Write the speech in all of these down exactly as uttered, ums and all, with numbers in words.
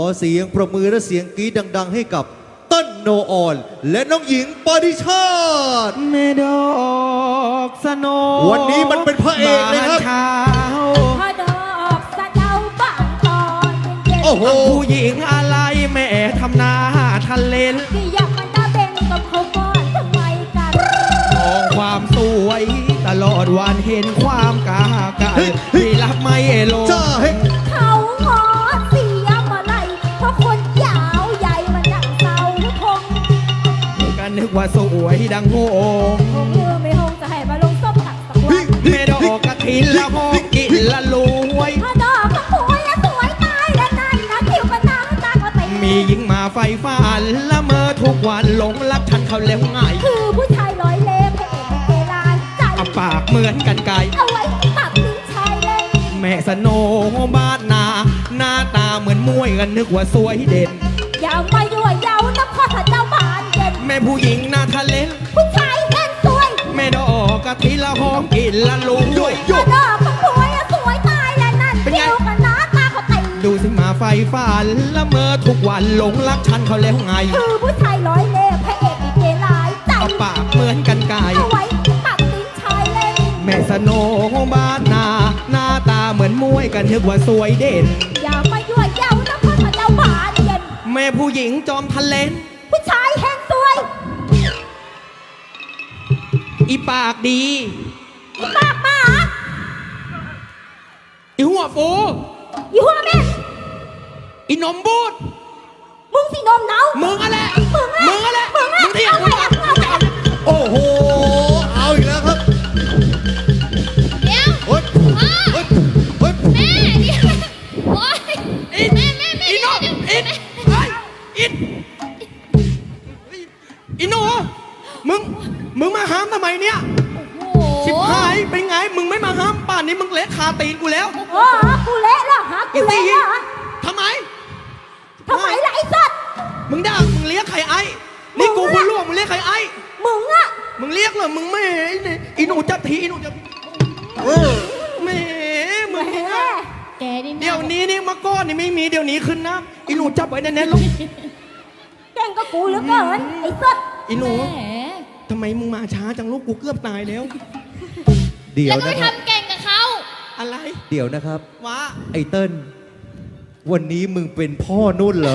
ขอเสียงปรบมือและเสียงกรี๊ดดังๆให้กับเต้นโนออนและน้องหญิงปฏิชาติเมดอกสโนวันนี้มันเป็นพระเอกเลยครับพระดอกสะเดาบานตอนเย็นๆโอ้โหผู้หญิงอะไรแม่ทำหน้าทันเลนที่อยากมันตาเบงกับเขาก่อนทำไมกันมองความสวยตลอดวันเห็นความกากันที่รับไม่ลงจ้าเฮ้ยเขางอเสียมาไล่เพราะคนยาวใหญ่มันดังเสาคงก็นึกว่าสวยดังโงงคงเมื่อไม่คงจะให้มาลงส้มตักสักวันเมดอกกระถินละหอมกินละรวยพระดอกก็สวยและสวยตายและนั่นนะคิวกันนางตาก็ตีมีหญิงมาไฟฝันละเมอทุกวันหลงรักฉันเขาแล้วง่ายคือผู้ชายร้อยเล่ห์พระเอกในเกลายใจเอาปากเหมือนกันไก่เอาไว้ตัดลิ้นชายเล่นแม่สโนบ้านนา หน้าตาเหมือนมวยกันนึกว่าสวยเด่นอย่ามายั่วเย้านะพ่อถ้าเจ้าบานเย็นแม่ผู้หญิงหน้าทะเลนผู้ชายเล่นสวยแม่ดอกกะทิละหอมกินละลุงด้วยพระดอกก็สวยและสวยตายและนั่นเป็นไงคิวกันนะตาก็ตีดูสิมาไฟฝันละเมอทุกวันหลงรักฉันเขาแล้วไงคือผู้ชายร้อยเล่ห์พระเอกในเกลายใจเอาปากเหมือนกันไก่เอาไว้ตัดลิ้นชายเล่นแม่สโนบ้านนา หน้าตาเหมือนมวยกันนึกว่าสวยเด่นอย่ามายั่วเย้านะพ่อถ้าเจ้าบานเย็นแม่ผู้หญิงจอมทะเลนผู้ชายแห่งสวยอีปากดีอีปากหมาอีหัวฟูอีหัวแม่นอีนมบูดมึงสินมเนามึงอะไรมึงอะมึงอะไรมึงอะมึงเที่ยวเอามึงไปจะเอาไปเอาโอ้โหเอาอีกแล้วครับเดี๋ยวเฮ้ยเฮ้ยเฮ้ยแม่เดี๋ยวโอ๊ยอินแม่แม่แม่อีนมเดี๋ยวอินไอ้อินอีหนูมึง มึงมาห้ามทำไมเนี่ยโอ้โหชิบหายเป็นไง มึงไม่มาห้ามป่านนี้มึงเละคาตีนกูแล้วโอ้ฮะกูเละแล้วฮะกูอีเละสี่แล้วฮะทำไมทำไมล่ะไอ้สัตว์มึงด่ามึงเรียกใครไอ้ นี่กูคุณล่วงมึงเรียกใครไอ้มึงอะมึงเรียกเหรอ มึงไม่เนี่ยอีหนูจับทีอีหนูจับเออแหมมึงแหมนี่นะแกนี่เดี๋ยวนี้นี่มาก้อนนี่ไม่มีเดี๋ยวนี้ขึ้นนะอีหนูจับไว้แน่นๆลูกแกล้งก็กูเหลือเกินไอ้สัตว์อีหนูแหมทำไมมึงมาช้าจังลูกกูเกือบตายแล้วเดี๋ยแล้ว วก็ไปนะครับทำเก่งกับเขาอะไรเดี๋ยวนะครับวะไอ้เติ้ลวันนี้มึงเป็นพ่อนุ่นเหรอ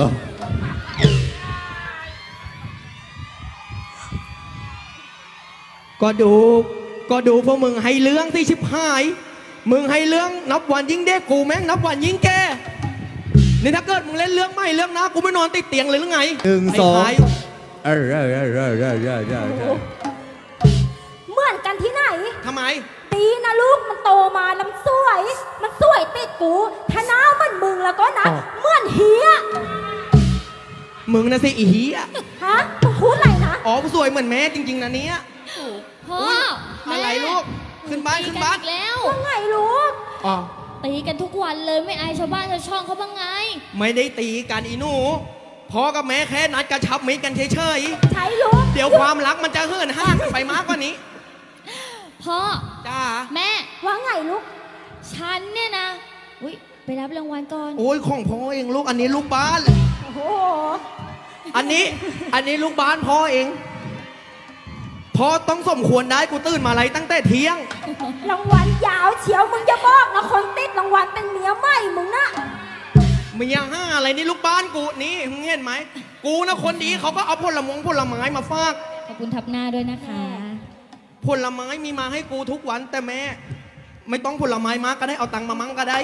ก็ดู ก็ดูพวกมึงให้เรื่องที่ชิบหาย มึงให้เรื่องนับวันยิ่งเด็กกูแม่งนับวันยิ่งแก่นี่ถ้าเกิดมึงเล่นเรื่องไม่เรื่องนะกูไม่นอนติดเตียงเลยหรือไงหนึ่งสองไท้ายเออเออเออเออเออเออเออเออเหมือนกันที่ไหนทำไมตีนะลูกมันโตมาแล้วมันสวย มันสวยติดกูถ้าหน้ามันมึงแล้วก็นะเหมือนเฮียมึงนะสิอีเหียฮะมึงพูดอะไรนะอ๋อกูสวยเหมือนแม่จริง ๆนะเนี้ยพ่ออุ๊ยอะไรลูกขึ้นบ้านขึ้นบ้านตีกัอีกแล้วว่าไงลูกอ๋อตีกันทุกวันเลยไม่อายชาวบ้านชาวช่องเขาบ้างไงไม่ได้ตีกันอีหนูพ่อกับแม่แค่นัดกระชับมิตรกันเฉยใช้ลูกๆเดี๋ยวความรักมันจะเหินห้างกันไปมากกว่านี้พ่อจ้าแม่ว่าไงลูกฉันเนี่ยนะอุ้ยไปรับรางวัลก่อนโอ้ยของพ่อเองลูกอันนี้ลูกบ้านโอ้โหอันนี้อันนี้ลูกบ้านพ่อเองพ่อต้องสมควรได้กูตื่นมาอะไรตั้งแต่เที่ยงรางวัลยาวเฉียวมึงจะบอกนะคนติดรางวัลเป็นเมียใหม่มึงนะมียังห้าอะไรนี่ลูกบ้านกูนี่มึงเห็นไหมกูนะคนดีเขาก็เอาผลมงผลไม้มาฝากขอบคุณทับหน้าด้วยนะคะผลไม้มีมาให้กูทุกวันแต่แม่ ไม่ต้องผลไม้มาก็ได้เอาตังค์มามั่งก็ได้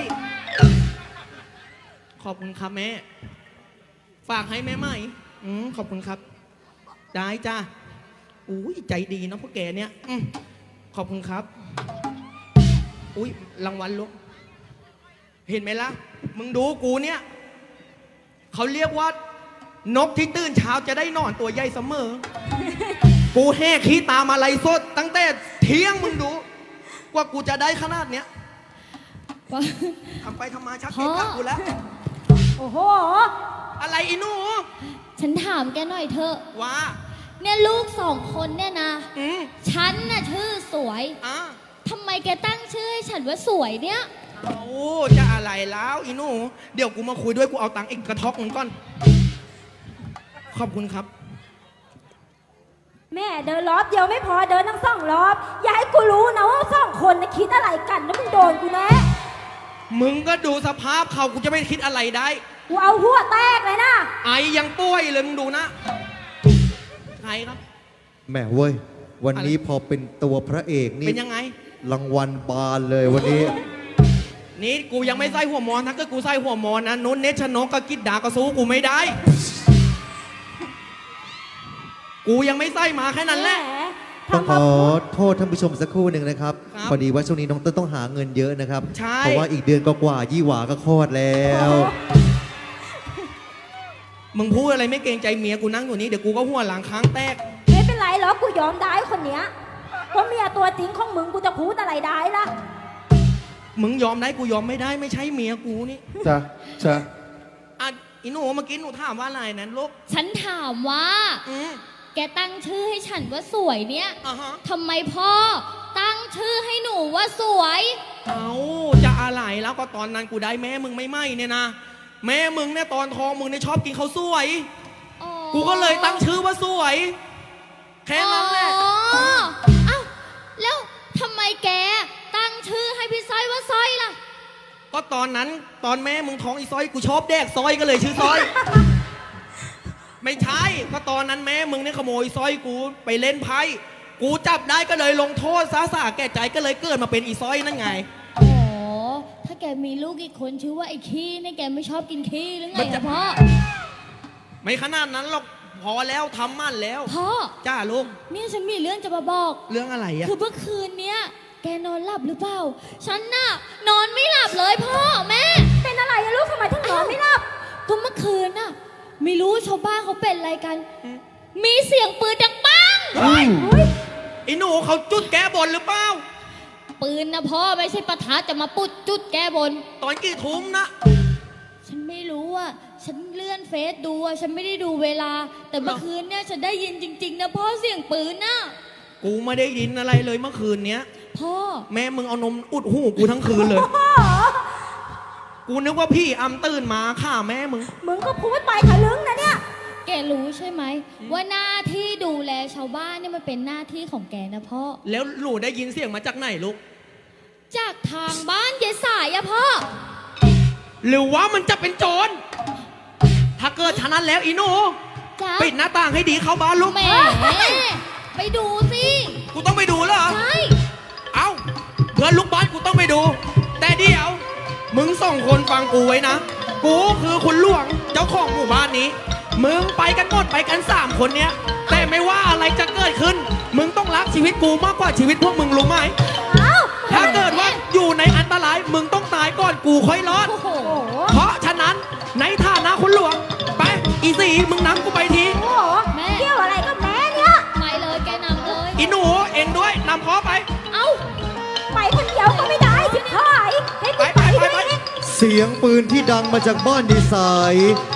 ขอบคุณครับแม่ ฝากให้แม่ใหม่อืมขอบคุณครับ ได้จ้าอุ้ยใจดีเนาะพวกแกเนี่ยอืมขอบคุณครับ อุ้ยรางวัลลูกเห็นไหมล่ะ มึงดูกูเนี่ยเขาเรียกว่านกที่ตื่นเช้าจะได้นอนตัวใหญ่เสมอ กูแห่ขี้ตามอะไรสดตั้งแต่เที่ยงมึงดู กว่ากูจะได้ขนาดเนี้ยทำไปทำมาชักเกะกะกูแล้วโอ้โหอะไรอีหนูฉันถามแกหน่อยเถอะว่าเนี่ยลูกสองคนเนี่ยนะอืมฉันน่ะชื่อสวยอ่ะทำไมแกตั้งชื่อให้ฉันว่าสวยเนี่ยใช่โอ้จะอะไรแล้วอีหนูเดี๋ยวกูมาคุยด้วยกูเอาตังค์อีกกระทอกหนึงก่อน ขอบคุณครับแม่เดินรอบเดียวไม่พอเดินทั้งสองรอบ อย่าให้กูรู้นะว่าสองคนนะคิดอะไรกันแล้วมึงโดนกูแน่มึงก็ดูสภาพเขากูจะไม่คิดอะไรได้กูเอาหัวแตกเลยนะไอยังป่วยเลยมึงดูนะใครครับแหมเว้ย วันนี้อะไรพอเป็นตัวพระเอกนี่เป็นยังไงรางวัลบานเลยวันนี้นี่กูยังไม่ใส่หัวมอนถ้าเกิดกูใส่หัวมอนนะนุ้นเนชชนกกับกิดดาก็สู้กูไม่ได้ กูยังไม่ใส่มาแค่นั้นแหละหมต้องขทำมาอพูดโทษท่านผู้ชมสักครู่หนึ่งนะครับครับพอดีว่าช่วงนี้น้องเต้นต้องหาเงินเยอะนะครับใช่เพราะว่าอีกเดือนก็กว่ายี่หวาก็คลอดแล้วมึงพูดอะไรไม่เกรงใจเมียกูนั่งอยู่นี่เดี๋ยวกูก็หัวหลังค้างแตกไม่เป็นไรหรอกกูยอมได้คนเนี้ยเพราะเมียตัวจริงของมึงกูจะพูดอะไรได้ล่ะมึงยอมได้กูยอมไม่ได้ไม่ใช่เมียกูนี่จ้ะจ้ะอ่ะอีหนูเมื่อกี้หนูถามว่าอะไรนั้นลูกฉันถามว่าอืมแกตั้งชื่อให้ฉันว่าสวยเนี่ยอ่ะฮะทำไมพ่อตั้งชื่อให้หนูว่าสวยเอาจะอะไรแล้วก็ตอนนั้นกูได้แม่มึงไม่ไหมเนี่ยนะแม่มึงเนี่ยตอนท้องมึงเนี่ยชอบกินข้าวสวยอ๋อกูก็เลยตั้งชื่อว่าสวย แค่นั้นแหละอ๋อเอ้าแล้วทำไมแกตั้งชื่อให้พี่สร้อยว่าสร้อยล่ะก็ตอนนั้นตอนแม่มึงท้องอีซอยกูชอบแดกซอยก็เลยชื่อซอย ไม่ใช่ก็ตอนนั้นแม่มึงเนี่ยขโมยซอยกูไปเล่นไพ่กูจับได้ก็เลยลงโทษซาสาแก่ใจก็เลยเกิดมาเป็นอีซอยนั่นไงอ๋อ ถ้าแกมีลูกอีกคนชื่อว่าไอ้ขี้เนี่ยแกไม่ชอบกินขี้หรือไงมันจะอะพ่อไม่ขนาดนั้นหรอกพอแล้วทำมั่นแล้วพ่อจ้าลูกเนี่ยฉันมีเรื่องจะมาบอกเรื่องอะไรอะคือเมื่อคืนเนี้ยแกนอนหลับหรือเปล่า ฉันน่ะนอนไม่หลับเลยพ่อแม่เป็นอะไรอะลูกทำไมถึงนอนไม่หลับก็เมื่อคืนน่ะไม่รู้ชาวบ้านเขาเป็นอะไรกัน มีเสียงปืนดังปังเฮ้ยอุ๊ยไอ้หนูเขาจุดแก้บนหรือเปล่าปืนนะพ่อไม่ใช่ประทัดจะมาปุดจุดแกบนตอนกี่ทุ่มนะฉันไม่รู้อ่ะ ฉันเลื่อนเฟซดูอ่ะ ฉันไม่ได้ดูเวลา แต่เมื่อคืนเนี่ยฉันได้ยินจริง ๆ นะพ่อเสียงปืนน่ะกูไม่ได้ยินอะไรเลยเมื่อคืนเนี้ยพ่อแม่มึงเอานมอุดหูกูทั้งคืนเลย กูนึกว่าพี่อำตื่นมาฆ่าแม่มึงมึงก็พูดไปทะลึ่งนะเนี่ยแกรู้ใช่ไหม ว่าหน้าที่ดูแลชาวบ้านเนี่ยมันเป็นหน้าที่ของแกนะพ่อแล้วหนูได้ยินเสียงมาจากไหนลูกจากทางบ้านยายสายอะพ่อหรือว่ามันจะเป็นโจร ถ้าเกิดฉะนั้นแล้วอีหนูจ้าปิดหน้าต่างให้ดีเข้าบ้านลูกแหมไปดูสิกูต้องไปดูเหรอใช่เอ้าเพื่อนลูกบ้านกูต้องไปดู แต่เดี๋ยว มึงสองคนฟังกูไว้นะ กูคือคุณหลวงเจ้าของหมู่บ้านนี้ มึงไปกันหมดไปกันสามคนเนี้ย แต่ไม่ว่าอะไรจะเกิดขึ้น มึงต้องรักชีวิตกูมากกว่าชีวิตพวกมึงรู้ไหมเอ้าถ้าเกิดว่าอยู่ในอันตราย มึงต้องตายก่อนกูค่อยรอดโอ้โหโอ้โหเพราะฉะนั้นในฐานะคุณหลวง ไป อีสีมึงนำกูไปทีโอ้โหแม่เกี่ยวอะไรกับแม่เนี่ยไปเลยแกนำเลยอีหนูเองด้วยนำพ่อไปเอ้าไปคนเดียวก็ไม่ได้ชิบหายให้กูไปไปไปด้วยไปนี่เสียงปืนที่ดังมาจากบ้านดีไซน์